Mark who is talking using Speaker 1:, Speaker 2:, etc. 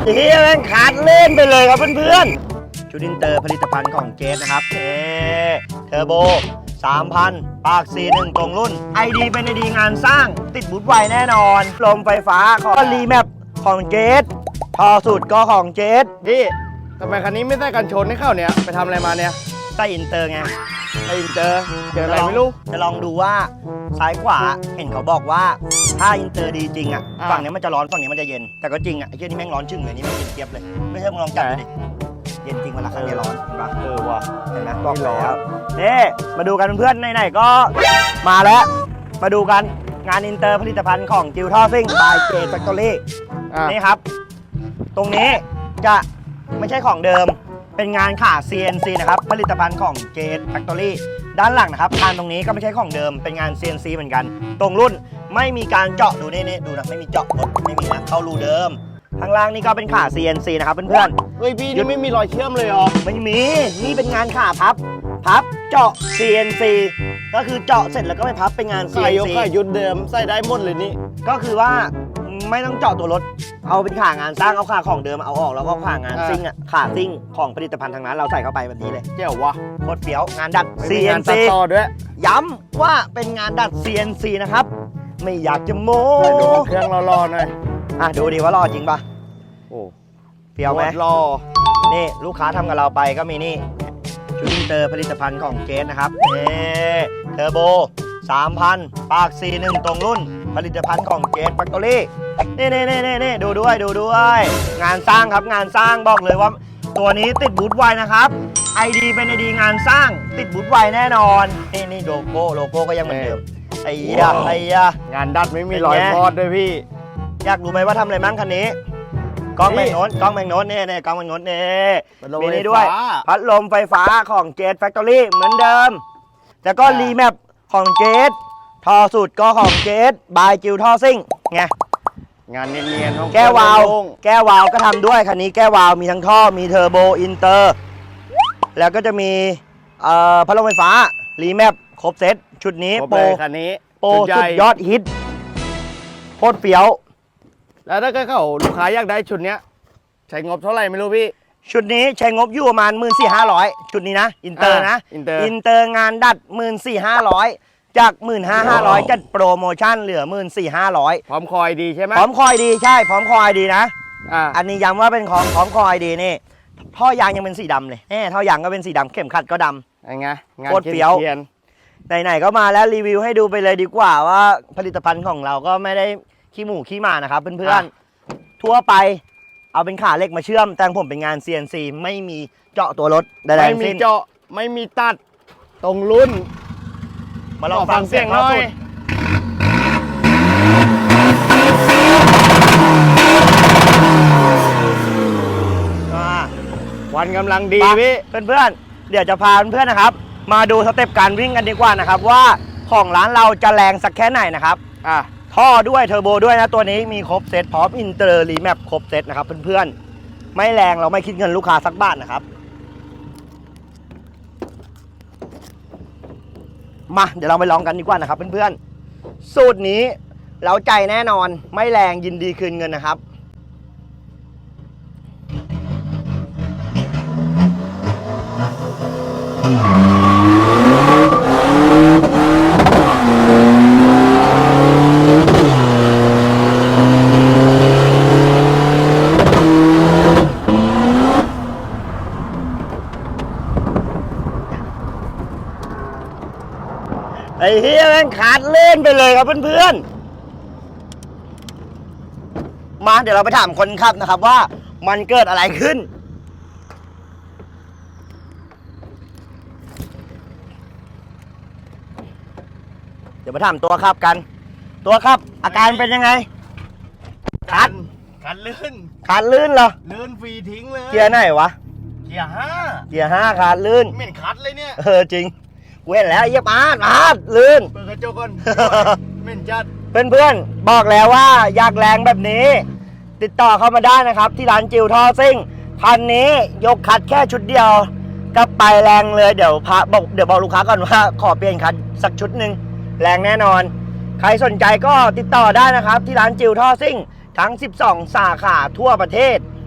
Speaker 1: เฮียแม่งขาดเล่นไปเลยครับเพื่อนๆชุดอินเตอร์ผลิตภัณฑ์ของเจสนะครับเทอร์โบ 3,000 ปาก 41 ตรงรุ่น ID เป็น ID งานสร้างติดบูทไวแน่นอนลมไฟฟ้าของรีแมปของเจสทอสุดก็ของเจส
Speaker 2: พี่ทำไมคันนี้ไม่ใส่กันชนให้เข้าเนี่ยไปทำอะไรมาเนี่ย
Speaker 1: ใต้อินเตอร์ไง
Speaker 2: ไอ้เจออะไรไม่รู้
Speaker 1: จะลองดูว่าซ้ายขวาเห็นเขาบอกว่าถ้าอินเตอร์ดีจริงอ่ะฝั่งนี้มันจะร้อนฝั่งนี้มันจะเย็นแต่ก็จริงอ่ะไอ้เหี้ยนี่แม่งร้อนชึ่งเลยนี่แม่งเย็นเจี๊ยบเลยไม่ใช่มึงลองจับดูดิเย็นจริงเวลาข้างนี้ร้อนเห็นปะ
Speaker 2: ว่ะ
Speaker 1: เห็นไหมบอกแล้วนี่มาดูกันเพื่อนๆไหนๆก็มาแล้วมาดูกันงานอินเตอร์ผลิตภัณฑ์ของจิวท่อซิ่งบายเจแฟคทอรี่นี่ครับตรงนี้จะไม่ใช่ของเดิมเป็นงานขา CNC นะครับผลิตภัณฑ์ของเจแฟคทอรี่ด้านหลังนะครับคานตรงนี้ก็ไม่ใช่ของเดิมเป็นงาน CNC เหมือนกันตรงรุ่นไม่มีการเจาะดูนี่ดูนะไม่มีเจาะรถไม่มีนะเข้ารูเดิมข้างล่างนี่ก็เป็นขา CNC นะครับเพื่อนๆ
Speaker 2: เฮ้ยพี่นี่ไม่มีรอยเชื่อมเลยเหรอ
Speaker 1: ไม่มี นี่เป็นงานขาพับเจาะ CNC ก็คือเจาะเสร็จแล้วก็ไปพับเป็นงาน
Speaker 2: ใส่ยก
Speaker 1: CNC
Speaker 2: ใส่ยุดเดิมใส่ได้หมดเลยนี่
Speaker 1: ก็คือว่าไม่ต้องเจาะตัวรถ เอาเป็นขางานสร้างเอาขาของเดิมเอาออกแล้วก็ขางานซิ่งอ่ะขาซิ่งของผลิตภัณฑ์ทางนั้นเราใส่เข้าไปแบบนี้เลย
Speaker 2: เจ๋ววะ
Speaker 1: โคตรเฟี้ยวงานดัด
Speaker 2: ไม่มีงาน
Speaker 1: CNC
Speaker 2: ตัดต่อด้วย
Speaker 1: ย้ำว่าเป็นงานดัด CNC นะครับ ไม่อยากจะโม้
Speaker 2: ไปดูเครื่องรอๆหน่อย
Speaker 1: อ่ะดูดิว่ารอจริงปะ
Speaker 2: โอ้
Speaker 1: เฟี้ยวไหม
Speaker 2: รอ
Speaker 1: นี่ลูกค้าทำกับเราไปก็มีนี่ชุดอินเตอร์ผลิตภัณฑ์ของเจสนะครับเทอร์โบ 3,000 ปาก 41 ตรงรุ่น ผลิตภัณฑ์ของเจสแฟคทอรี่นี่ดูด้วยงานสร้างครับงานสร้างบอกเลยว่าตัวนี้ติดบูทไวนะครับ ID เป็น ID งานสร้างติดบูทไวแน่นอนนี่โลโก้ก็ยังเหมือนเดิมไอ้ยะ
Speaker 2: งานดัดไม่มีรอยพอดด้วยพี่
Speaker 1: อยากรู้ไหมว่าทำอะไรมั่งคันนี้กล้องแมงโน้นนี่กล้องแมงโน้นนี่มีนี่ด้วยพัดลมไฟฟ้าของเจสแฟคทอรี่เหมือนเดิมแล้วก็รีแมปของเจสทอสุดก็ของเจสบายจิวท่อซิ่งไง
Speaker 2: งานเนียนๆของ
Speaker 1: แก้ววาล์วก็ทำด้วยคันนี้แก้ววาล์วมีทั้งท่อมีเทอร์โบอินเตอร์แล้วก็จะมีพัดลมไฟฟ้ารีแมปครบเซตชุดนี้
Speaker 2: โปรคันนี้
Speaker 1: โปรสุดยอดฮิตโคตรเฟี้ยว
Speaker 2: แล้วถ้าเกิดเขาลูกค้าอยากได้ชุดเนี้ยใช้งบเท่าไหร่ไม่รู้พี่
Speaker 1: ชุดนี้ใช้งบอยู่ประมาณ 14,500 ชุดนี้นะอินเตอร์นะ
Speaker 2: อินเตอร์
Speaker 1: งานดัด 14,500 จาก 15,500 จัดโปรโมชั่นเหลือ 14,500
Speaker 2: พร้อมคอยดีใช่ไหม
Speaker 1: พร้อมคอยดีใช่พร้อมคอยดีนะ
Speaker 2: อ่า
Speaker 1: อันนี้ย้ำว่าเป็นของพร้อมคอยดีนี่ท่อยางยังเป็นสีดำเลยท่อยางก็เป็นสีดำเข็มขัดก็ดำ
Speaker 2: ไงงาน
Speaker 1: โคตรเฟี้ยว ไหนๆก็มาแล้วรีวิวให้ดูไปเลยดีกว่าว่าผลิตภัณฑ์ของเราก็ไม่ได้ขี้หมูขี้หมานะครับเพื่อนๆทั่วไปเอาเป็นขาเหล็กมาเชื่อมแต่ผมเป็นงาน CNC ไม่มีเจาะตัวรถใดๆ
Speaker 2: ไม่
Speaker 1: ทั้ง
Speaker 2: มี
Speaker 1: สิ้น
Speaker 2: เจาะไม่มีตัดตรงรุ่น
Speaker 1: มาลองฟังเสียงหน่อย
Speaker 2: วันกำลังดีพี่
Speaker 1: เพื่อนๆเดี๋ยวจะพาเพื่อนๆนะครับมาดูสเต็ปการวิ่งกันดีกว่านะครับว่าของร้านเราจะแรงสักแค่ไหนนะครับท่อด้วยเทอร์โบด้วยนะตัวนี้มีครบเซตพร้อมอินเตอร์รีแมปครบเซตนะครับเพื่อนๆไม่แรงเราไม่คิดเงินลูกค้าสักบาทนะครับมาเดี๋ยวเราไปลองกันดีกว่านะครับเพื่อนๆสูตรนี้เราใจแน่นอนไม่แรงยินดีคืนเงินนะครับไอ้เฮียแม่งขาดเล่นไปเลยครับเพื่อนๆมาเดี๋ยวเราไปถามคนขับนะครับว่ามันเกิดอะไรขึ้นเดี๋ยวมาถามตัวขับกันตัวขับอาการเป็นยังไงขาดลื่นเหรอ
Speaker 2: ลื่นฟรีทิ้งเลย
Speaker 1: เกียร์ไหนวะ
Speaker 2: เกียร์
Speaker 1: เกียร์5ขาดลื่น
Speaker 2: 5เหม็นคัดเลยเนี่ย
Speaker 1: จริงเว้นแล้วเยียบอาดลื่น
Speaker 2: เปิดกระจกก่อนเหม็นจัด
Speaker 1: เพื่อนๆบอกแล้วว่าอยากแรงแบบนี้ ติดต่อเข้ามาได้นะครับที่ร้านจิวท่อซิ่งคันนี้ยกคัดแค่ชุดเดียวก็ไปแรงเลยเดี๋ยวบอกลูกค้าก่อนว่าขอเปลี่ยนคัดสักชุดหนึ่งแรงแน่นอนใครสนใจก็ติดต่อได้นะครับที่ร้านจิวท่อซิ่งทั้ง 12 สาขาทั่วประเทศ